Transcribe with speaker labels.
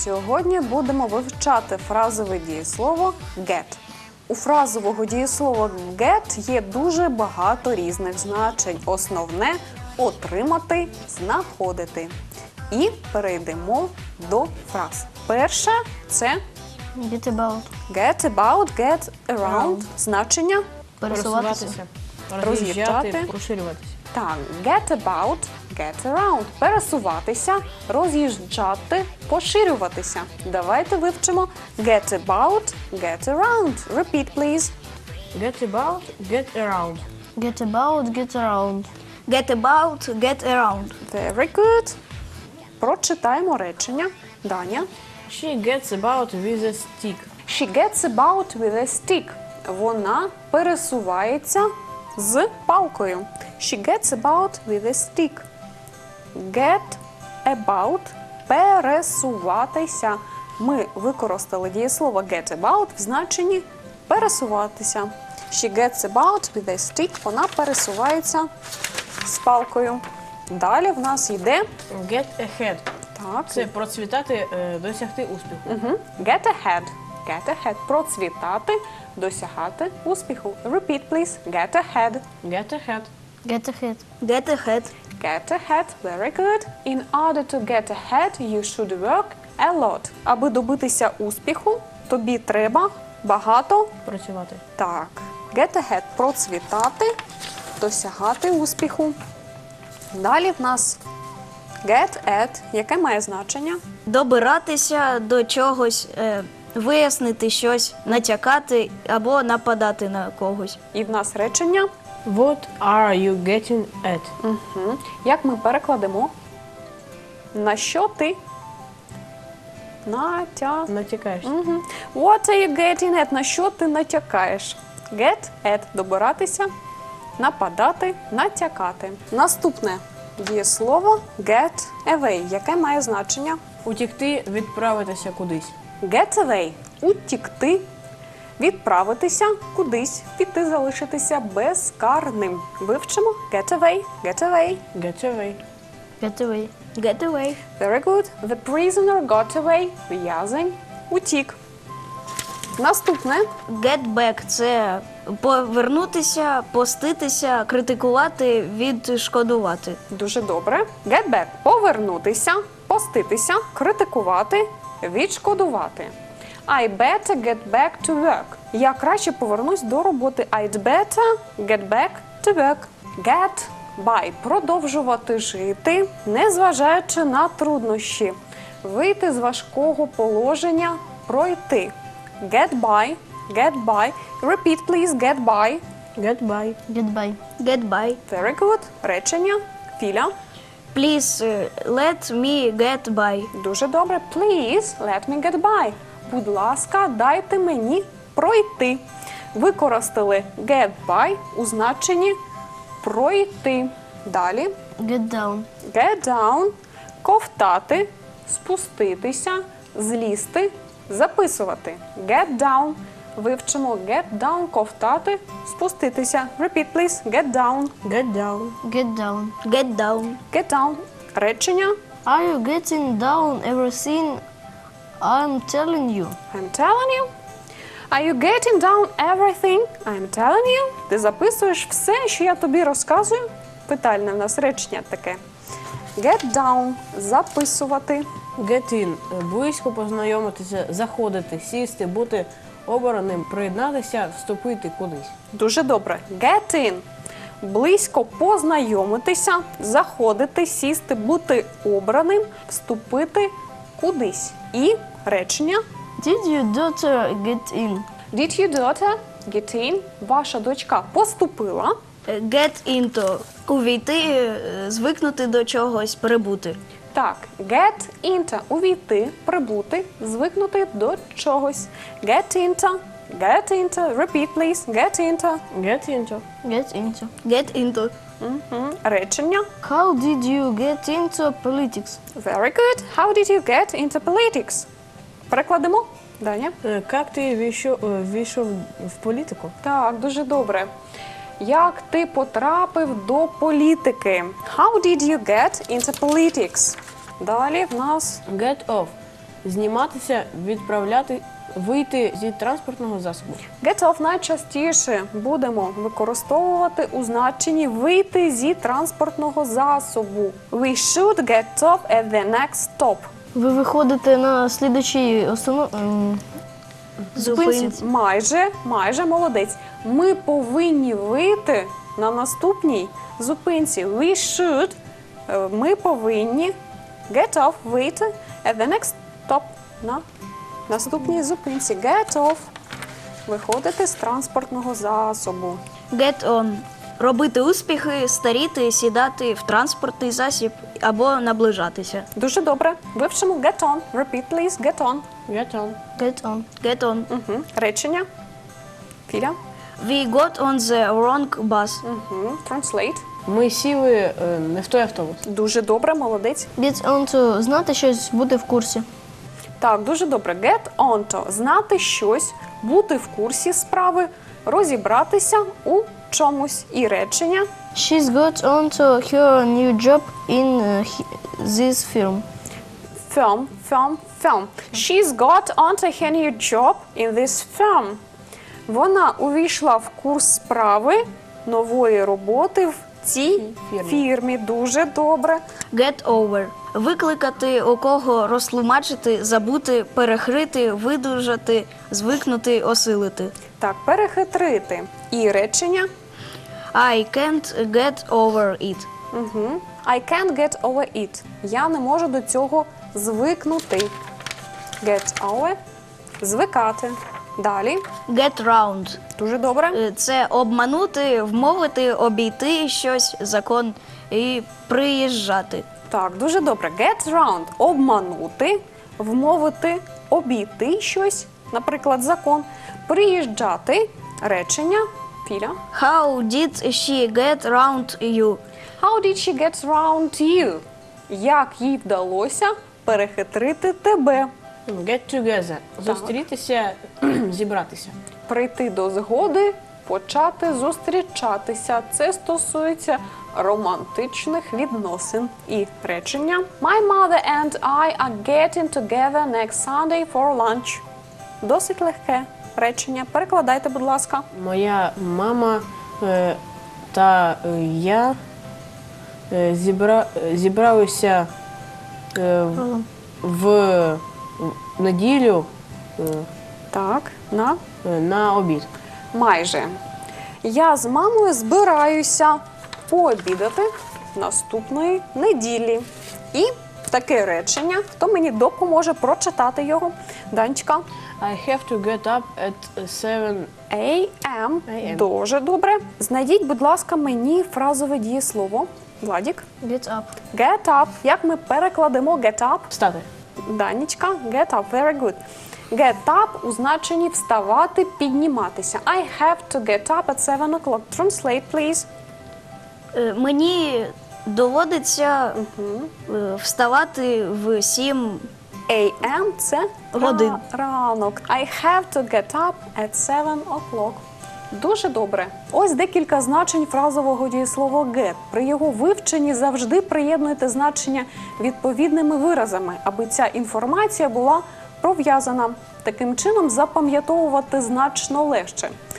Speaker 1: Сьогодні будемо вивчати фразове дієслово get. У фразового дієслова get є дуже багато різних значень. Основне – отримати, знаходити. І перейдемо до фраз. Перше – це
Speaker 2: Get about.
Speaker 1: get about, get around. Значення
Speaker 2: Пересуватися.
Speaker 1: Роз'їжджати.
Speaker 3: Роз'їжджати, розширюватися.
Speaker 1: так, get about, get around. Пересуватися, роз'їжджати, поширюватися. Давайте вивчимо get about, get around. Repeat, please.
Speaker 3: Get about, get around.
Speaker 2: Get about, get around.
Speaker 4: Get about, get around.
Speaker 1: Very good. Прочитаємо речення. Даня.
Speaker 3: She gets about with a stick.
Speaker 1: She gets about with a stick. Вона пересувається з палкою. She gets about with a stick. Get about – пересуватися. Ми використали дієслово get about в значенні пересуватися. She gets about with a stick. Вона пересувається з палкою. Далі в нас йде
Speaker 3: Get ahead.
Speaker 1: так.
Speaker 3: Це процвітати, досягти успіху.
Speaker 1: Get ahead. Get ahead. Процвітати, досягати успіху. Repeat, please. Get ahead.
Speaker 3: Get ahead.
Speaker 2: Get ahead.
Speaker 4: Get ahead.
Speaker 1: Get ahead. Very good. In order to get ahead, you should work a lot. Аби добитися успіху, тобі треба багато.
Speaker 3: Працювати.
Speaker 1: Так. Get ahead. Процвітати, досягати успіху. Далі в нас get at, яке має значення?
Speaker 4: Добиратися до чогось, вияснити щось, натякати або нападати на когось.
Speaker 1: І в нас речення.
Speaker 3: What are you getting at?
Speaker 1: Угу. Як ми перекладемо? На що ти?
Speaker 3: Натякаєш.
Speaker 1: Угу. What are you getting at? На що ти натякаєш? Get at – добиратися, нападати, натякати. Наступне дієслово get away, яке має значення?
Speaker 3: Утікти, відправитися кудись.
Speaker 1: Get away – утікти, відправитися кудись, піти, залишитися безкарним. Вивчимо get away, get away.
Speaker 3: Get away.
Speaker 2: Get away.
Speaker 4: Get away.
Speaker 1: Very good. The prisoner got away. В'язень утік. Наступне
Speaker 4: Get back – це повернутися, поститися, критикувати, відшкодувати.
Speaker 1: дуже добре. Get back – повернутися, поститися, критикувати, відшкодувати. I better get back to work. Я краще повернусь до роботи. I'd better get back to work. Get by – продовжувати жити, незважаючи на труднощі. Вийти з важкого положення, пройти. Get by, get by. Repeat, please, get by.
Speaker 3: Get by.
Speaker 2: Get by.
Speaker 4: Get by.
Speaker 1: Very good. Речення. Філя.
Speaker 4: Please, let me get by.
Speaker 1: Дуже добре. Please, let me get by. Будь ласка, дайте мені пройти. Використали get by у значенні пройти. Далі.
Speaker 2: Get down.
Speaker 1: Get down – ковтати, спуститися, злізти, записувати. Get down. Вивчимо get down – ковтати, спуститися. Repeat, please. Get down.
Speaker 3: Get down.
Speaker 2: Get down.
Speaker 4: Get down.
Speaker 1: Get down. Речення.
Speaker 2: Are you getting down everything I'm telling you?
Speaker 1: I'm telling you. Are you getting down everything I'm telling you? Ти записуєш все, що я тобі розказую? Питальне в нас речення таке. Get down – записувати.
Speaker 3: Get in. Близько познайомитися, заходити, сісти, бути обраним, приєднатися, вступити кудись.
Speaker 1: Дуже добре. Get in – близько познайомитися, заходити, сісти, бути обраним, вступити кудись. І речення.
Speaker 2: Did your daughter get in?
Speaker 1: Did your daughter get in? Ваша дочка поступила.
Speaker 4: Get into – увійти, звикнути до чогось, перебути.
Speaker 1: Так, get into – увійти, прибути, звикнути до чогось. Get into, get into. Repeat, please. Get into.
Speaker 3: Get into.
Speaker 2: Get into.
Speaker 4: Get into.
Speaker 1: Речення.
Speaker 2: How did you get into politics?
Speaker 1: Very good. How did you get into politics? Перекладемо. Даня.
Speaker 3: Як ти війшов в політику?
Speaker 1: Так, дуже добре. Як ти потрапив до політики? How did you get into politics? Далі в нас
Speaker 3: Get off. зніматися, відправляти, вийти зі транспортного засобу.
Speaker 1: Get off найчастіше будемо використовувати у значенні вийти зі транспортного засобу. We should get off at the next stop.
Speaker 2: Ви виходите на слідучій зупинці.
Speaker 1: Майже молодець. Ми повинні вийти на наступній зупинці. We should, ми повинні get off, вийти at the next stop, на наступній зупинці. Get off, виходити з транспортного засобу.
Speaker 4: Get on. Робити успіхи, старіти, сідати в транспортний засіб або наближатися.
Speaker 1: Дуже добре. Вивчимо get on. Repeat, please. Get on.
Speaker 3: Get on.
Speaker 2: Get on.
Speaker 4: Get on.
Speaker 1: Речення. Філя.
Speaker 4: We got on the wrong bus.
Speaker 1: Translate.
Speaker 3: Ми сіли не в той автобус.
Speaker 1: Дуже добре, молодець.
Speaker 2: Get on to знати щось, бути в курсі.
Speaker 1: Так, дуже добре. Get on to. Знати щось, бути в курсі справи, розібратися у чомусь. І речення.
Speaker 2: She's got on to her new job in this firm.
Speaker 1: Firm. She's got onto her new job in this firm. Вона увійшла в курс справи нової роботи в цій фірмі. Дуже добре.
Speaker 4: Get over. Викликати, у кого розтлумачити, забути, перехрити, видужати, звикнути, осилити.
Speaker 1: Так, перехитрити. І речення.
Speaker 4: I can't get over it.
Speaker 1: I can't get over it. Я не можу до цього звикнути. Get over. Звикати. Далі.
Speaker 4: Get round.
Speaker 1: Дуже добре.
Speaker 4: Це обманути, вмовити, обійти щось, закон і приїжджати.
Speaker 1: Так, дуже добре. Get round. Обманути, вмовити, обійти щось, наприклад, закон. Приїжджати. Речення. Філя.
Speaker 4: How did she get round you?
Speaker 1: How did she get round you? Як їй вдалося перехитрити тебе?
Speaker 3: Get together. Зустрітися, зібратися.
Speaker 1: Прийти до згоди, почати зустрічатися. Це стосується романтичних відносин. І речення. My mother and I are getting together next Sunday for lunch. Досить легке речення. Перекладайте, будь ласка.
Speaker 3: Моя мама та я зібралися в неділю
Speaker 1: Так,
Speaker 3: на обід.
Speaker 1: майже. Я з мамою збираюся пообідати наступної неділі. І таке речення. Хто мені допоможе прочитати його? Данечка.
Speaker 3: I have to get up at 7
Speaker 1: AM.
Speaker 3: AM.
Speaker 1: Дуже добре. Знайдіть, будь ласка, мені фразове дієслово. Владік.
Speaker 2: Get up.
Speaker 1: Get up. Як ми перекладемо get up?
Speaker 3: встати.
Speaker 1: Данечка. Get up. Very good. Get up у значенні вставати, підніматися. I have to get up at 7 o'clock. Translate, please.
Speaker 4: Мені доводиться вставати в 7
Speaker 1: AM – це
Speaker 4: Годин.
Speaker 1: ранок. I have to get up at 7 o'clock. Дуже добре. Ось декілька значень фразового дієслова get. При його вивченні завжди приєднуйте значення відповідними виразами, аби ця інформація була пров'язана. Таким чином запам'ятовувати значно легше.